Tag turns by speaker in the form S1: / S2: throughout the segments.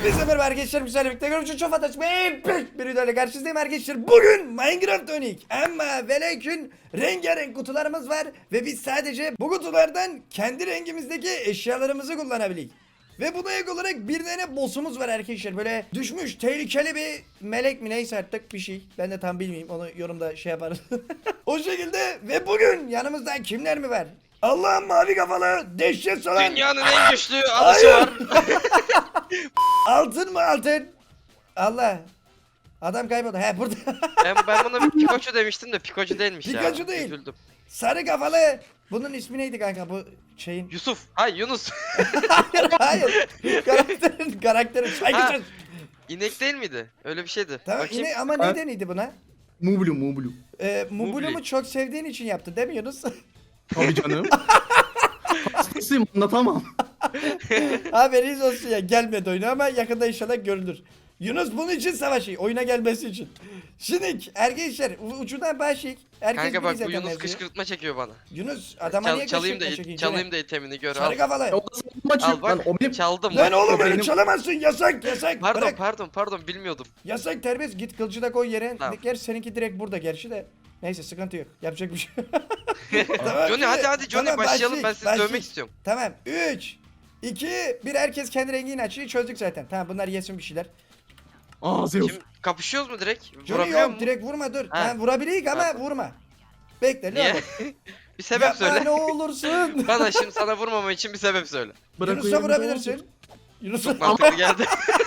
S1: Hepinize merhaba arkadaşlar, müsaade birlikte görüşürüz. Çok fantastik bir videoyla karşınızdayım arkadaşlar. Bugün Minecraft Onik ama ve lakin rengarenk kutularımız var. Ve biz sadece bu kutulardan kendi rengimizdeki eşyalarımızı kullanabiliyoruz. Ve buna ek olarak bir tane boss'umuz var arkadaşlar. Böyle düşmüş tehlikeli bir melek mi neyse artık bir şey. Ben de tam bilmeyeyim, onu yorumda şey yaparız. O şekilde ve bugün yanımızda kimler mi var? Allah'ın mavi kafalı dehşet salan.
S2: Dünyanın en güçlü alışı var.
S1: Altın mı altın? Allah. Adam kayboldu. He burada.
S2: Ben buna bir Pikachu demiştim de Pikachu değilmiş ya.
S1: Pikachu değil.
S2: Üzüldüm.
S1: Sarı kafalı. Bunun ismi neydi kanka bu şeyin?
S2: Yusuf. Hayır Yunus.
S1: Hayır. Karakterin saygısız.
S2: İnek değil miydi? Öyle bir şeydi.
S1: Tamam
S2: Bakayım.
S1: yine ama neyden iyiydi buna?
S3: Mublu.
S1: Mublu'mu çok sevdiğin için yaptı değil mi Yunus?
S3: Tabii canım. Hastasıyım, anlatamam.
S1: Haberiniz olsun ya, gelmedi oyuna ama yakında inşallah görülür. Yunus bunun için savaşıyor, oyuna gelmesi için. Şimdi arkadaşlar ucundan başlayık. Herkes
S2: Kanka bak bu
S1: zaten
S2: Yunus
S1: mevzuyu.
S2: kışkırtma çekiyor bana.
S1: Yunus adama niye
S2: Çalayım da
S1: kışkırtma çekiyor?
S2: çalayım da itemini gör.
S1: Sarı
S2: Al.
S1: kafalı.
S3: O da maçı.
S2: Al bak.
S3: O benim.
S2: Çaldım.
S1: Lan
S2: bak.
S1: oğlum öyle
S3: benim-
S1: çalamazsın, yasak yasak.
S2: Pardon
S1: Bırak.
S2: pardon bilmiyordum.
S1: Yasak, terbiyesiz, git kılıcı da koy yere.
S2: Tamam.
S1: Gerçi seninki direkt burada gerçi de. Neyse sıkıntı yok. Yapacak bir şey. Tamam,
S2: Johnny hadi Johnny
S1: tamam,
S2: başlayalım, ben sizi
S1: başlayın.
S2: dövmek istiyorum.
S1: Tamam 3 2 1 herkes kendi rengini açıyor, çözdük zaten. Tamam bunlar yesin bir şeyler.
S3: Aa Zeus.
S2: Şimdi kapışıyoruz mu direkt?
S1: Johnny
S2: Vurabiliyor
S1: yok
S2: mu?
S1: direkt vurma, dur.
S2: Ha.
S1: Ha, vurabilirik ama
S2: Pardon.
S1: vurma. Bekle
S2: Niye?
S1: ne olur.
S2: Bir sebep
S1: Yapma
S2: söyle.
S1: ne olursun.
S2: Bana şimdi sana vurmamam için bir sebep söyle.
S1: Yunus'a vurabilirsin. Yunus'a.
S2: Mantıklı geldi.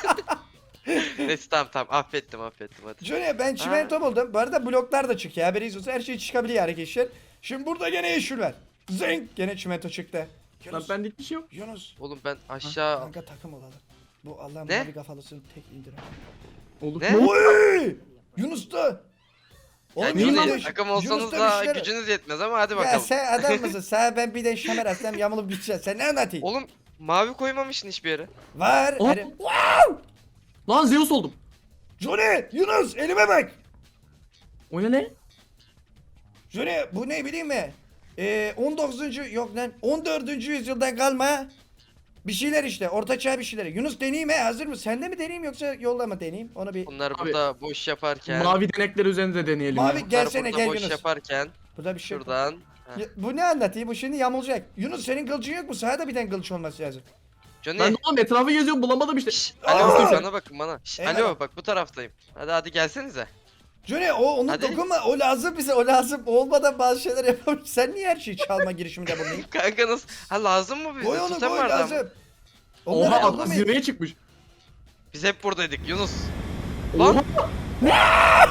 S2: Neyse tamam affettim hadi.
S1: Johnny ben çimento buldum. Bu arada bloklar da çıkıyor. Haberiniz olsun, her şey çıkabiliyor arkadaşlar. Şimdi burada gene yeşil var. Zeng gene çimento çıktı.
S3: Lan
S1: Yunus.
S3: benlik bir şey yok.
S1: Yunus.
S2: Oğlum ben aşağı...
S1: Kanka takım olalım. Bu Allah'ın
S2: Ne?
S1: mavi kafalısını tek indirelim.
S3: Olur.
S2: Ne?
S1: Oy! Yunus da.
S2: Ya
S1: Oğlum,
S2: Johnny,
S1: Yunus-
S2: takım
S1: Yunus
S2: olsanız
S1: da
S2: da
S1: bir şeyler-
S2: gücünüz yetmez ama hadi
S1: Ya
S2: bakalım.
S1: sen adam mısın? Sana ben bir de şamer atsam yamulup gideceğiz. Sen ne anlatayım?
S2: Oğlum mavi koymamışsın hiçbir yere.
S1: Var.
S3: Oh.
S1: Hani...
S3: Lan Zeus oldum.
S1: Johnny! Yunus! Elime bak!
S3: O ne?
S1: Johnny bu ne bileyim mi? 19. yok lan 14. yüzyıldan kalma bir şeyler işte, ortaçağ bir şeyler. Yunus deneyeyim he, hazır mı? Sende mi deneyeyim yoksa yolda mı deneyeyim? Onu bir...
S2: Bunlar
S3: Abi,
S2: burada boş yaparken.
S3: Mavi denekler üzerinde deneyelim.
S1: Mavi-
S3: ya.
S2: bunlar
S1: gelsene,
S2: burada
S1: gel
S2: boş
S1: Yunus.
S2: yaparken.
S1: Burada bir şey yok.
S2: Şuradan. Heh.
S1: Bu ne anlatayım? Bu şimdi yamulacak. Yunus senin kılıcın yok mu? Sana da bir tane kılıç olması lazım.
S2: Johnny.
S3: Ben de oğlum etrafı geziyorum, bulamadım işte.
S2: Şşş,
S1: Aa!
S2: alo bana bakın bana. Şşş,
S1: Eyvallah.
S2: alo bak bu taraftayım. Hadi gelsenize.
S1: Johnny onu
S2: Hadi.
S1: dokunma, o lazım bize, o lazım. Olmadan bazı şeyler yapamayız. Sen niye her şeyi çalma girişiminde bulunayım?
S2: Kanka nasıl? Ha lazım mı bize?
S1: Koy onu,
S2: Tutan
S1: koy
S2: vardı ama.
S1: lazım. Onları
S3: Oha adam
S1: toplamayın.
S3: zirveye çıkmış.
S2: Biz hep buradaydık Yunus. Lan.
S3: Oha.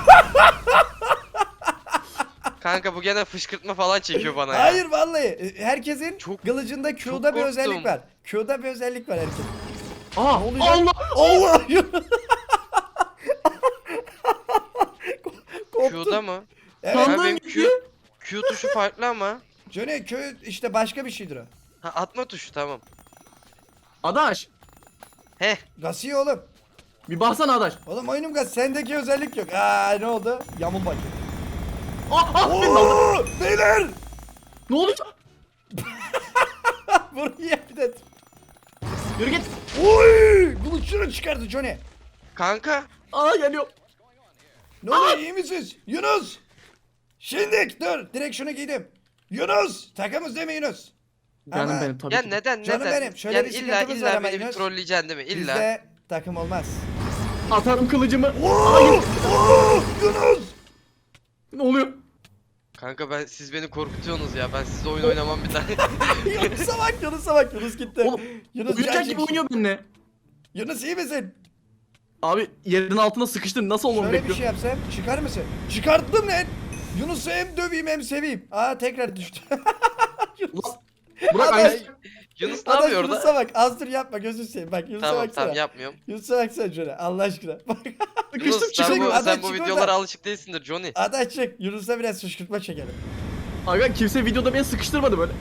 S2: Kanka bu gene fışkırtma falan çekiyor bana ya.
S1: Hayır vallahi herkesin
S2: Çok-
S1: kılıcında
S2: çok
S1: Q'da bir özellik
S2: korktum.
S1: var. Q'da bir özellik var herkesin.
S3: Aa
S1: Ne oluyor?
S3: Allah.
S1: Allah! Koptum.
S2: Q'da mı?
S1: Evet.
S2: Ha,
S3: Sandığın
S2: benim
S3: gibi.
S2: Q tuşu farklı ama.
S1: Johnny Q işte başka bir şeydir o.
S2: Ha atma tuşu tamam.
S3: Adaş.
S2: Heh.
S1: Gasiye oğlum.
S3: Bir baksana Adaş.
S1: Oğlum oyunum gaz, sendeki özellik yok. Aa ne oldu? Yamul bak.
S3: Beni aldı.
S1: Oo, beyler!
S3: Ne oluyor?
S1: Buraya bir de.
S3: Yürü git.
S1: Oy! Kılıçını çıkardı Johnny.
S2: Kanka.
S3: Aa geliyor.
S1: Ne oluyor, iyi misiniz? Yunus! Şimdi dur, direkt şunu giydim. Yunus! Takımız değil mi Yunus?
S3: Canım
S1: Ama
S3: benim tabii
S2: Ya
S3: ki.
S2: neden
S1: Canım
S2: neden?
S1: benim, şöyle
S2: yani
S1: bir
S2: illa
S1: sıkıntımız var ama
S2: beni bir
S1: Yunus.
S2: trolleyeceksin değil mi? İlla.
S1: Bizde takım olmaz.
S3: Atarım kılıcımı.
S1: Oo! Oo! Yunus!
S3: Ne oluyor?
S2: Kanka siz beni korkutuyorsunuz ya. Ben sizle oyun oynamam bir daha.
S1: Yunus'a bak, Yunus'a bak. Yunus gitti.
S3: Oğlum,
S1: Yunus
S3: Uyuyacak
S1: can
S3: gibi
S1: çekişti.
S3: oynuyor benimle.
S1: Yunus iyi misin?
S3: Abi yerin altına sıkıştın. Nasıl olmamı
S1: Şöyle bir
S3: bekliyorsun?
S1: şey yapsam çıkar mısın? Çıkarttım lan. Yunus'u hem döveyim hem seveyim. Aa tekrar düştü. Yunus.
S3: Ulan, Burak
S1: Adaş,
S3: aynı.
S2: Yunus ne
S1: Adaş
S2: yapıyor orada?
S1: Yunus'a bak. Az dur yapma, gözünü seveyim. Bak Yunus'a
S2: Tamam
S1: baksana.
S2: tamam yapmıyorum.
S1: Yunus'a baksana şöyle Allah aşkına. Bak.
S3: Sıkıştım
S2: Yunus sen
S3: çıkamıyorum.
S1: Adaş,
S2: sen bu
S1: çık
S2: videolara
S1: oradan.
S2: alışık değilsindir Johnny.
S1: Adaş çık. Yunus'a biraz fışkırtma çekelim.
S3: Aga kimse videoda beni sıkıştırmadı böyle.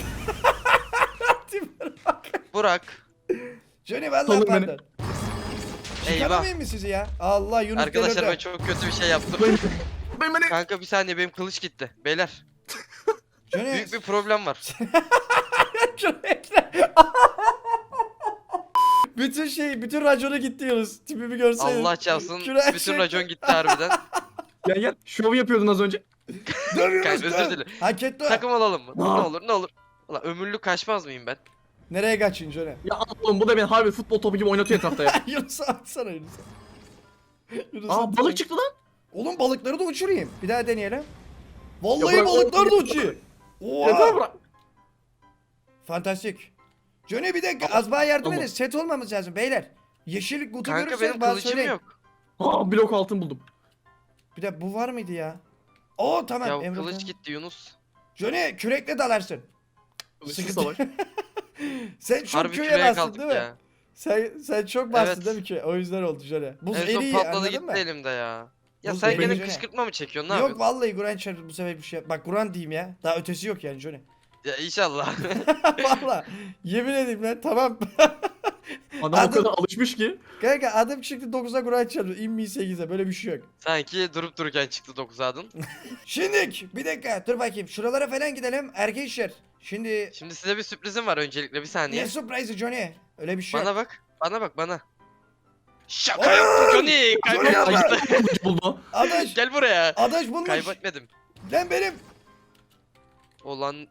S2: Burak.
S1: Johnny vallahi
S3: Salın beni.
S1: pardon.
S2: Eyvah.
S1: Çıkaramayayım mı sizi ya? Allah Yunus
S2: Arkadaşlar ben
S1: delirdi.
S2: çok kötü bir şey yaptım.
S3: Beni.
S2: Kanka bir saniye benim kılıç gitti. Beyler
S1: Johnny.
S2: büyük bir problem var.
S1: Şunu ekle. bütün raconu gitti Yunus. Tipimi görseydin.
S2: Allah çarpsın
S1: Küre-
S2: bütün racon gitti harbiden.
S3: Gel gel. Şov yapıyordun az önce.
S1: Döv Yunus,
S2: Kanka, özür
S1: döv.
S2: dilerim.
S1: Hak etti o.
S2: Takım olalım mı? Ne
S3: Aa.
S2: olur ne olur. Ulan ömürlük kaçmaz mıyım ben?
S1: Nereye kaçın Johnny?
S3: Ya oğlum bu da beni harbi futbol topu gibi oynatıyor etrafta ya.
S1: Yunus'a atsana Yunus'a. Yunus'a
S3: Aa
S1: atsana.
S3: balık çıktı lan.
S1: Oğlum balıkları da uçurayım. Bir daha deneyelim.
S3: Ya
S1: Vallahi
S3: bırak,
S1: balıklar da
S3: oğlum,
S1: uçuyor.
S3: Yeter
S1: Oha.
S3: bırak.
S1: Fantastik. Johnny bir dakika az bana yardım
S3: Tamam.
S1: edin. Set olmamız lazım beyler. Yeşil kutu
S2: Kanka
S1: görürseniz
S2: benim
S1: bana
S2: kılıcım
S1: söyleyin.
S2: yok.
S3: Aa blok altın buldum.
S1: Bir de bu var mıydı ya? Oo tamam.
S2: Ya
S1: Emre
S2: kılıç
S1: tamam.
S2: gitti Yunus.
S1: Johnny kürekle dalarsın.
S3: Kılıçlı
S1: Sıkıntı-
S3: savaş.
S1: Sen çok
S2: Harbi
S1: köye
S2: küreye
S1: bastın
S2: kaldık
S1: değil mi?
S2: ya.
S1: Sen çok bastın
S2: Evet.
S1: değil mi köye? O yüzden oldu Johnny. Buz
S2: En son
S1: eriyi
S2: patladı
S1: anladın
S2: gitti
S1: mı?
S2: elimde ya. Ya
S1: Buz
S2: sen
S1: eriyi
S2: gene
S1: Johnny.
S2: kışkırtma mı çekiyorsun ne
S1: Yok
S2: yapıyorsun?
S1: vallahi Guran Çar bu sefer bir şey. Bak Guran diyeyim ya. Daha ötesi yok yani Johnny.
S2: Ya inşallah.
S1: Vallahi yemin edeyim lan tamam.
S3: Adam
S1: Adım-
S3: o kadar alışmış ki.
S1: Kanka adım çıktı 9'a Guran Çar. İnmi 8'e böyle bir şey yok.
S2: Sanki durup dururken çıktı 9 adın.
S1: Şimdilik bir dakika dur bakayım. Şuralara falan gidelim. Arkadaşlar. Şimdi
S2: Şimdi size bir sürprizim var öncelikle bir saniye.
S1: ne surprise'ı Johnny? Öyle bir şey
S2: Bana
S1: yok.
S2: bak. Bana bak bana. Şaka
S1: Oy!
S2: yaptım Johnny.
S1: Johnny yapma.
S2: Kaybetmedim.
S3: Kılıç buldu.
S1: Adaş.
S2: Gel buraya.
S1: Adaş bulmuş.
S2: Kaybetmedim.
S1: Lan benim.
S2: Olan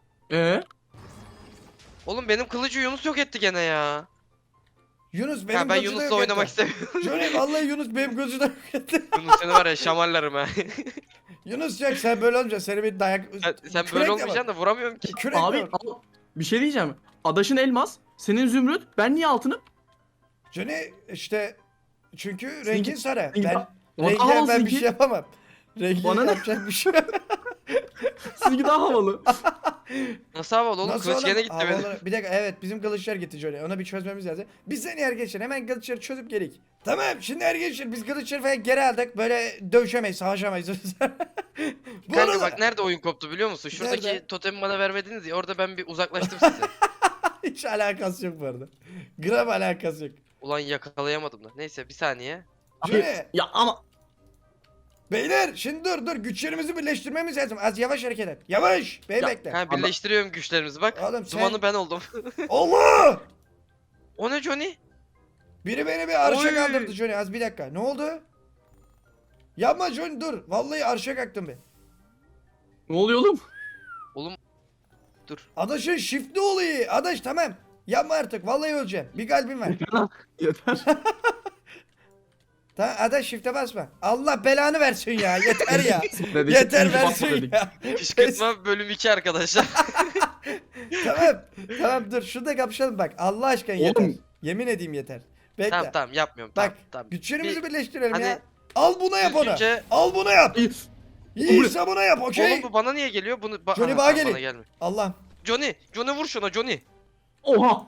S3: Oğlum
S2: benim kılıcı Yunus yok etti gene ya.
S1: Yunus benim
S2: Ya ben
S1: gözü de
S2: Yunus'la
S1: yok
S2: oynamak
S1: etti.
S2: istemiyorum.
S1: Johnny vallahi Yunus benim gözü de yok etti.
S2: Yunus seni var ya şamarlarım ha.
S1: Yunus yok sen böyle olmayacaksın. Seni bir dayak...
S2: Sen
S1: Kürekle
S2: böyle
S1: bak.
S2: olmayacaksın da vuramıyorum ki.
S1: Kürekle
S3: abi
S1: bak.
S3: al, bir şey diyeceğim. Adaşın elmas, senin zümrüt, ben niye altınım?
S1: Johnny işte çünkü
S3: Seninki-
S1: rengin sarı.
S3: seninki
S1: Ben
S3: daha-
S1: rengine
S3: Daha havalı
S1: ben bir
S3: seninki.
S1: şey yapamam. Rengine
S3: Bana ne?
S1: yapacak bir şey yok.
S3: Sizinki daha havalı.
S2: Nasıl havalı oğlum?
S1: Nasıl
S2: Kılıç
S1: oğlum?
S2: gene gitti benim.
S1: Havalara- Bir dakika evet bizim kılıçlar gitti Johnny. Ona bir çözmemiz lazım. Biz seni arkadaşlar hemen kılıçları çözüp gelik. Tamam şimdi arkadaşlar biz kılıçları falan geri aldık. Böyle dövüşemeyiz, savaşamayız. Bu
S2: Kanka
S1: arada
S2: bak nerede oyun koptu biliyor musun? Şuradaki
S1: Nerede?
S2: totemi bana vermediniz ya orada ben bir uzaklaştım size.
S1: hiç alakası yok bu arada. Gram alakası yok.
S2: Ulan yakalayamadım da. Neyse bir saniye.
S3: Abi,
S1: Johnny
S3: ya ama
S1: beyler şimdi dur güçlerimizi birleştirmemiz lazım. Az yavaş hareket et. Yavaş. Bey
S3: Ya,
S1: bekle.
S2: Ha birleştiriyorum güçlerimizi bak.
S1: Oğlum sen-
S2: Dumanı ben oldum.
S1: Allah!
S2: O ne Johnny?
S1: Biri beni bir arşa
S2: Oy!
S1: kaldırdı Johnny. Az bir dakika. Ne oldu? Yapma Johnny dur. Vallahi arşa kalktım be.
S3: ne oluyor oğlum?
S2: Oğlum dur.
S1: Adaşın shiftli oluyor. Adaş tamam. Yapma artık. Vallahi öleceğim. Bir kalbim var.
S3: Yeter.
S1: Tamam Adaş shift'e basma. Allah belanı versin ya. Yeter ya.
S3: Dedik,
S1: Yeter
S3: ikinci basma
S1: versin
S3: dedik.
S1: ya.
S2: Kışkırtma bölüm 2 arkadaşlar.
S1: Tamam. Tamam dur. Şurada kapışalım bak. Allah aşkına yeter.
S3: Oğlum.
S1: Yemin edeyim yeter. Bekle.
S2: Tamam yapmıyorum.
S1: Bak
S2: Tamam, tamam.
S1: güçlerimizi
S2: Bir-
S1: birleştirelim
S2: hani
S1: ya. Al buna yap onu.
S2: düzgünce-
S1: Al bunu yap.
S3: İyi.
S1: İyiyse buna yap okey.
S2: Oğlum bu bana niye geliyor? Bunu
S1: Johnny
S2: Aha,
S1: bana
S2: tamam,
S1: gelin.
S2: bana gelmiyor.
S1: Allah.
S2: Johnny vur şuna Johnny.
S3: Oha.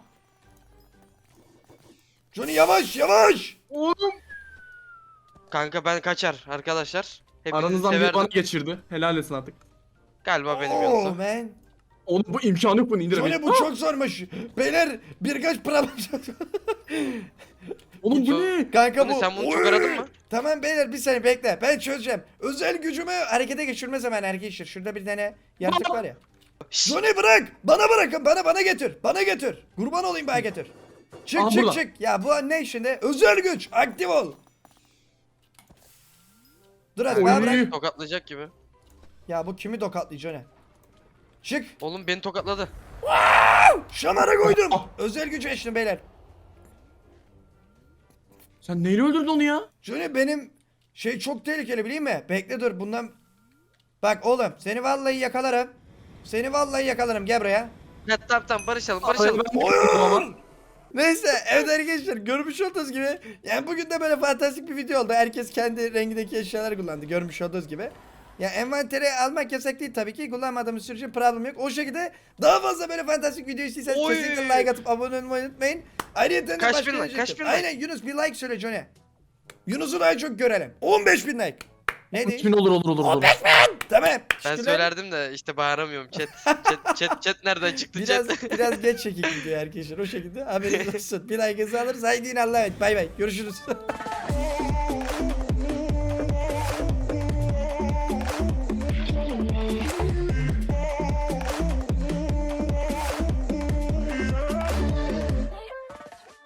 S1: Johnny yavaş yavaş.
S3: Oğlum.
S2: Kanka ben kaçar arkadaşlar. Hepinizi
S3: Aranızdan biri
S2: severdim.
S3: bana geçirdi. Helal etsin artık.
S2: Galiba benim
S1: Oh
S2: Yunus'u.
S1: man.
S3: Oğlum bu imkanı yok bunu indiremeyiz.
S1: Johnny bu çok zormuş. Beyler birkaç problem.
S3: Oğlum bu ne?
S1: Kanka
S2: Johnny,
S1: bu.
S2: sen bunu
S1: Oy!
S2: çok aradın mı?
S1: Tamam beyler bir saniye bekle. Ben çözeceğim. Özel gücümü harekete geçirme zamanı arkadaşlar. Şurada bir tane yaratık var ya.
S2: Şşş,
S1: Johnny bırak. Bana bırakın. Bana getir. Bana getir. Kurban olayım bana getir. Çık
S3: Aha,
S1: çık
S3: burada.
S1: çık. Ya bu ne şimdi? Özel güç. Aktif ol. Dur hadi bana
S3: Oy.
S1: bırak.
S2: Tokatlayacak gibi.
S1: Ya bu kimi tokatlıyor Johnny? Çık.
S2: Oğlum beni tokatladı.
S1: Şamara koydum.
S3: Ah.
S1: Özel gücü eşlim beyler.
S3: Sen neyle öldürdün onu ya?
S1: Johnny benim şey çok tehlikeli bileyim mi? Bekle dur bundan. Bak oğlum seni vallahi yakalarım. Seni vallahi yakalarım gel buraya.
S2: Ya tamam barışalım
S3: Ay,
S2: barışalım.
S3: ben de
S1: Oyun.
S3: ama.
S1: Neyse evet arkadaşlar görmüş olduğunuz gibi yani bugün de böyle fantastik bir video oldu. Herkes kendi rengindeki eşyaları kullandı görmüş olduğunuz gibi. Ya envanteri almak yasak değil tabii ki kullanmadığımız sürece problem yok. O şekilde daha fazla böyle fantastik video istiyorsanız
S2: Oy.
S1: kesinlikle like atıp abone olmayı unutmayın. Ayrıca
S2: Kaç
S1: başka
S2: bin like,
S1: bir şey
S2: kaç
S1: yok.
S2: bin like?
S1: Aynen Yunus bir like söyle Johnny. Yunus'u daha çok görelim. 15.000 like. Ne
S3: Kimin
S1: değil?
S3: olur.
S1: 15.000. Tamam.
S2: Ben
S1: Teşekkürler.
S2: söylerdim de işte bağıramıyorum chat nereden çıktı
S1: Biraz
S2: chat?
S1: biraz geç çekildi arkadaşlar o şekilde haberiniz olsun. Bir like alırız haydi yine Allah'a emanet. Bay bay. Görüşürüz.